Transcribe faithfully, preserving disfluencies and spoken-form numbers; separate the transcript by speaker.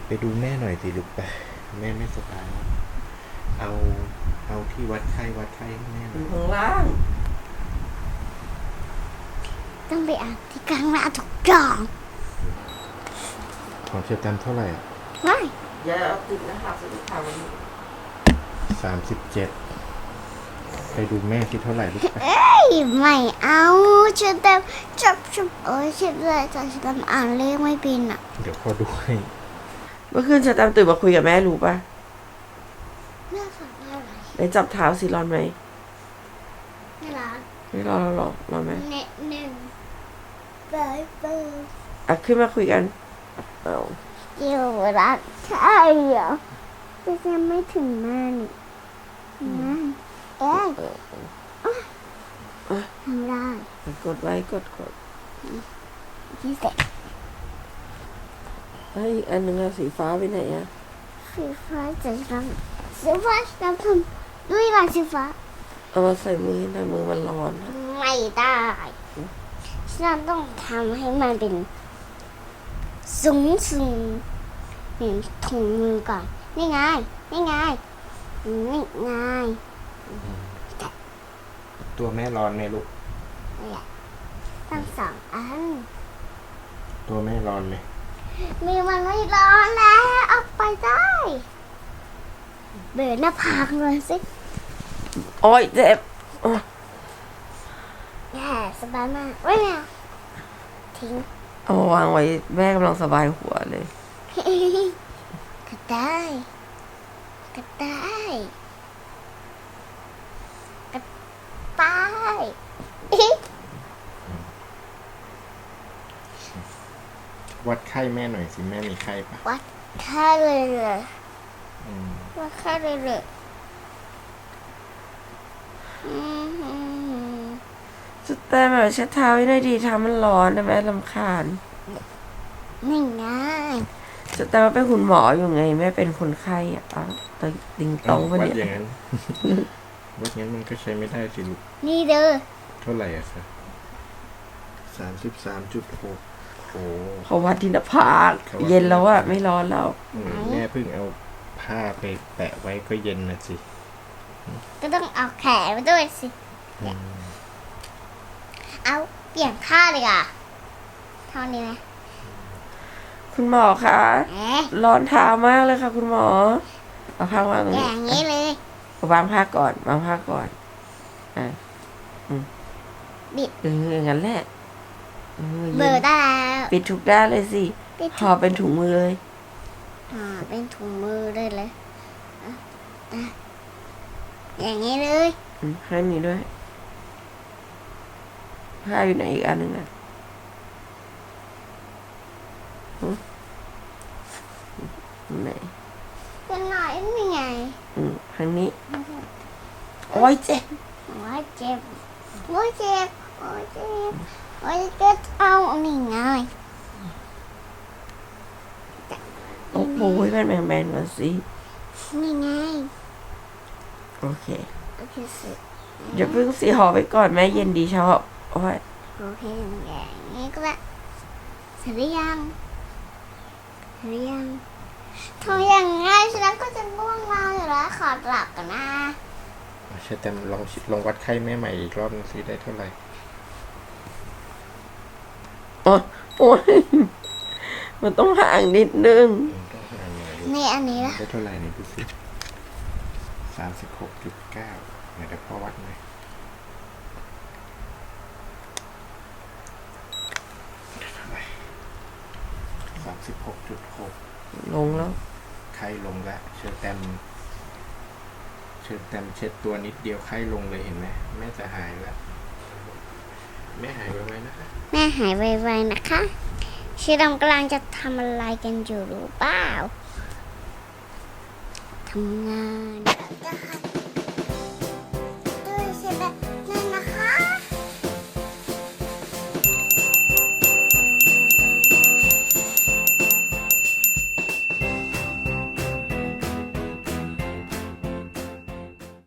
Speaker 1: ไปดูแม่หน่อยสิลูกไปแม่ไม่สบายแล้วเอาเอาที่วัดไข้วัดไข้ให้แม่ห
Speaker 2: อ
Speaker 1: น่อย
Speaker 2: ยู่ข้างล่าง
Speaker 3: ต้องไปอ่านที่กลางหน้าทุกอย่าง
Speaker 1: ของเชื่อกันเท่าไหร่
Speaker 3: ไม่
Speaker 2: อย่าเอาติดนะครับสิค่ะวันนี้
Speaker 1: สามสิบเจ็ดไปดูแม่คิดเท่าไหร่ลูกไป
Speaker 3: เอ้ยไม่เอาฉันแต่จับจับเอ้ยฉันเลยแต่ฉันอ่านเลขไม่เป็นอ่ะ
Speaker 1: เดี๋ยวพอดูให้
Speaker 2: เมื่อคืนฉันตามตื่นมาคุยกับแม่รู้ป่ะ
Speaker 3: แม่ฝากได้ไหม
Speaker 2: ได้จับเท้าสิร้อนไหม
Speaker 3: ไม่รัก
Speaker 2: ไม่ร้อนหรอกร้อนไหม
Speaker 3: เน็ตหนึ่งบายบาย
Speaker 2: อ่ะขึ้นมาคุยกันเอา
Speaker 3: อยู่รักใช่เหรอแต่ยังไม่ถึงแม่นี่นะเอ้ยทำได้
Speaker 2: กดไว้กดกด
Speaker 3: ที่เสร็จ
Speaker 2: เฮ้ยอีกอันหนึ่งอะสีฟ้าไปไหนอะ
Speaker 3: สีฟ้าจะทำสีฟ้าจะทำด้วยลายสีฟ้า
Speaker 2: เอามาใส่มือหน่อยมือมันร้อนอะ
Speaker 3: ไม่ได้ฉันต้องทำให้มันเป็นสูงสูงเหมือนถุงมือก่อนนี่ไงนี่ไงนี่ไง
Speaker 1: ตัวแม่ร้อนไหมลูก
Speaker 3: นี่แหละตั้งสองอัน
Speaker 1: ตัวแม่ร้อนไหม
Speaker 3: มีมันไม่ร้อนแล้วออกไปได้เบิดหน้าผากเลยสิ
Speaker 2: โอ้ยเจ็บโอ๊ย
Speaker 3: แย่สบายมากไม่เอาทิ้ง
Speaker 2: เอามาวางไว้แม่กำลังสบายหัวเลย
Speaker 3: ก็ได้ก็ได้ก็ได้
Speaker 1: วัดไข้แม่หน่อยสิแม่มีไข้ปะ
Speaker 3: วัดค่าเลยเลย
Speaker 1: อืม
Speaker 3: วัดค่าเลยเลยอืม
Speaker 2: สุดแต่แบบเช็ดเท้าให้หน่อยดีเท้ามันร้อนนะแม่ลำคาญ
Speaker 3: นี่ง่าย
Speaker 2: สุดแต่ว่าเป็นคุณหมออยู่ไงแม่เป็นคนไข้อะเอ้าตงติงตองปะ
Speaker 1: วัด
Speaker 2: เนี่ย
Speaker 1: อย่างนั้น วัดอย่างนั้นมันก็ใช้ไม่ได้สิลูก
Speaker 3: นี่เด้อ
Speaker 1: เท่าไหร่อะคะสามสิบสามจุดหกโอ้
Speaker 2: เขาวัดที่หน้าผากเย็นแล้วอะไม่ร้อนแล้ว
Speaker 1: อืมแม่เพิ่งเอาผ้าไปแปะไว้ก็เย็นนะสิ
Speaker 3: ก็ต้องเอาแขนมาด้วยสิ
Speaker 1: อืม
Speaker 3: เอาเปลี่ยนท่าเลยอ่ะเท่านี้ไหม
Speaker 2: คุณหมอคะ
Speaker 3: เอ๊ะ
Speaker 2: ร้อนเท้ามากเลยค่ะ คุณหมอเอาผ้าวางตรง
Speaker 3: อ
Speaker 2: นี้
Speaker 3: ย่างนี้เลย
Speaker 2: เอาวางผ้าก่อนวางผ้าก่อนอ่ะ
Speaker 3: บิด
Speaker 2: เอออย่างนั้นแหละเออ
Speaker 3: เบอร์ได้แล้ว
Speaker 2: ปิดทุกด้านเลยสิ
Speaker 3: ปิด
Speaker 2: ห่อเป็นถุงมือเลย
Speaker 3: อ่าเป็นถุงมือได้เลยอ่ะอ่ะอย่างนี้เลย
Speaker 2: อืมให้มีด้วยผ้าอยู่ไหนอีกอันหนึ่งอ่ะหึไหน
Speaker 3: เป็นหน่อยนี่ไง
Speaker 2: อืมทางนี้โอ้ยเจ็บ
Speaker 3: โอ้ยเจ็บโอ้ยเจ็บโอ้ยเจ็บโอ้ยเจ็บเอานี่ไง
Speaker 2: โอ้โหเป็นแมงแมนมาสิ
Speaker 3: นี่ไง
Speaker 2: โอเค
Speaker 3: โอเคสิ
Speaker 2: อย่าเพิ่งสีห่อไปก่อนแม่เย็นดีชอบโอ้ย
Speaker 3: โอเคอย่างนี้ก็ได้เสร็จหรือยังเสร็จหรือยังทำอย่างง่ายฉันก็จะง่วงนอนอยู่แล้วขอหลับกันนะ
Speaker 1: ใช่แต่ลองลองวัดไข้แม่ใหม่อีกรอบนึงสิได้เท่าไหร่
Speaker 2: โอ้ยโอ้ยมันต้องห่างนิดนึง
Speaker 1: อืมต้องหาหน่อยลูก
Speaker 3: นี่อันนี้ละ
Speaker 1: ได้เท่าไหร่เนี่ยดูสิสามสิบหกจุดเก้าเดี๋ยวพ่อวัดหน่อยได้เท่าไหร่สามสิบหกจุดหก
Speaker 2: ลงแล้ว
Speaker 1: ไข้ลงแล้วเชิญแตมเชิญแตมเช็ดตัวนิดเดียวไข้ลงเลยเห็นไหมแม่จะหายแล้วแม่หายไวๆนะคะ
Speaker 3: แม่หายไวๆนะคะชีดำกำลังจะทำอะไรกันอยู่รู้เปล่าทำงาน